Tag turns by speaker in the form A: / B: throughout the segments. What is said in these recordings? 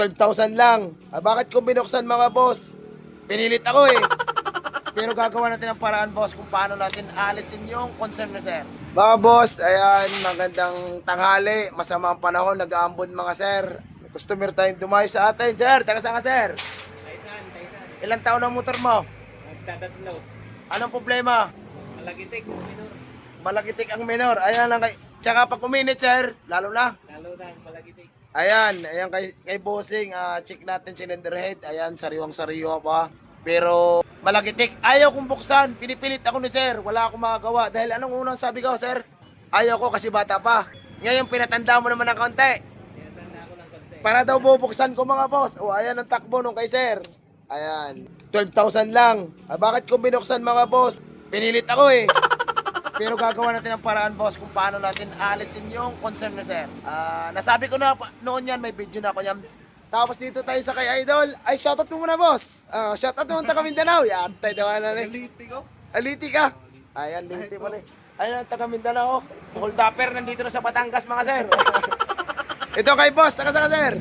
A: 12,000 lang. Bakit ko binuksan mga boss? Pinilit ako eh. Pero gagawa natin ang paraan boss kung paano natin alisin yung concern na sir. Mga boss, ayan, magandang tanghali. Masama ang panahon, nag-aambon mga sir. Customer tayong dumayo sa atin, sir. Taga saan ka, sir?
B: Taisan.
A: Ilang taon ang motor mo?
B: Nagtatatlo.
A: Anong problema?
B: Malagitik, minor.
A: Malagitik ang minor. Ayan lang kay... Tsaka pag uminit, sir, lalo na.
B: Lalo na ang malagitik.
A: Ayan kay bossing, check natin cylinder head. Ayan, sariwang-sariwa pa. Pero malagitik. Ayaw kong buksan. Pinipilit ako ni sir. Wala akong magagawa. Dahil anong unang sabi ko, sir? Ayaw ko kasi bata pa. Ngayon, pinatanda mo naman ng konti.
B: Tinatanda ako ng konti.
A: Para daw bubuksan ko mga boss. O, ayan ang takbo nung kay sir. Ayan. 12,000 lang. Bakit ko binuksan mga boss? Pinilit ako eh. Pero gagawa natin ang paraan boss kung paano natin alisin yung concern na sir. Nasabi ko na noon yan, may video na ako yan. Tapos dito tayo sa kay Idol. Ay, shoutout mo muna boss. Shoutout mo taga Mindanao. Yan, tayo daw na rin.
B: Aliti ko.
A: Aliti ka. Ayan, liti mo rin. Ayan, taga Mindanao. Hold upper, nandito na sa Batangas mga sir. Ito kay boss, taga saan ka sir?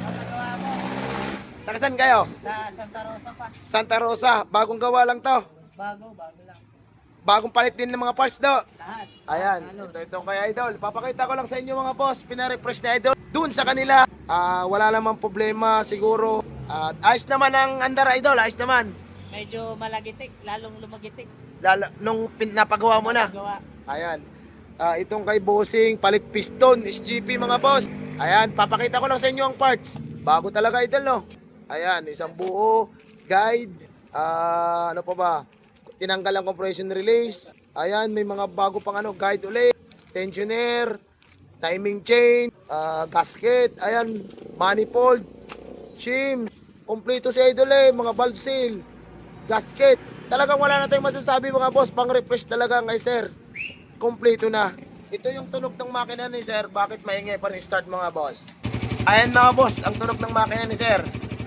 A: Taga saan kayo?
C: Sa Santa Rosa pa.
A: Santa Rosa. Bagong gawa lang to.
C: Bago lang.
A: Bagong palit din ng mga parts do.
C: Lahat.
A: Ayan,
C: Halos.
A: ito kay Idol. Papakita ko lang sa inyo mga boss, pinarefresh na Idol. Doon sa kanila, wala namang problema siguro. At ayos naman ang andar Idol, ayos naman.
C: Medyo malagitik, lalong lumagitik.
A: Lalo, nung napagawa mo na.
C: Gawa.
A: Ayan. Itong kay Bossing, palit piston, SGP mga boss. Ayan, papakita ko lang sa inyo ang parts. Bago talaga Idol, no? Ayan, isang buo, guide, ano pa ba? Tinanggal ang compression release. Ayan, may mga bago pang guide ulit. Tensioner, timing chain, gasket, ayan, manifold, shim, kompleto si Idol mga valve seal, gasket. Talagang wala na tayong masasabi mga boss, pang refresh talaga kay sir. Kompleto na. Ito yung tunog ng makina ni sir, bakit maingay pa rin start mga boss? Ayan mga boss, ang tunog ng makina ni sir.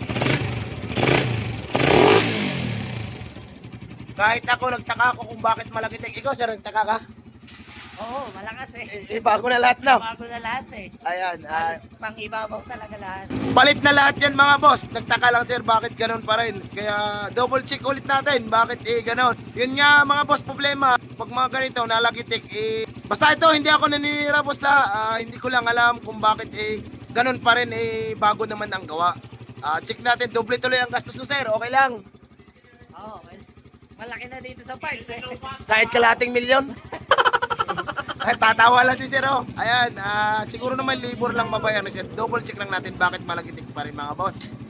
A: Kahit ako, nagtaka ako kung bakit malagitik. Ikaw sir, nagtaka ka?
C: Oo, malakas eh.
A: Bago na lahat na.
C: Bago na lahat eh.
A: Ayan,
C: Halos pang ibabaw talaga lahat.
A: palit na lahat yan mga boss. Nagtaka lang sir bakit ganun pa rin. Kaya double check ulit natin bakit ganun. Yun nga mga boss problema. Pag mga ganito nalagitik basta ito hindi ako naninira boss hindi ko lang alam kung bakit ganun pa rin bago naman ang gawa. Check natin double tuloy ang gastos no sir. Okay lang.
C: Oo, well, malaki na dito sa parts eh.
A: Kahit kalating milyon. Ay, tatawa lang si sir oh. Ayan, siguro naman labor lang mabayan ni sir. Double check lang natin bakit malagitik pa rin mga boss.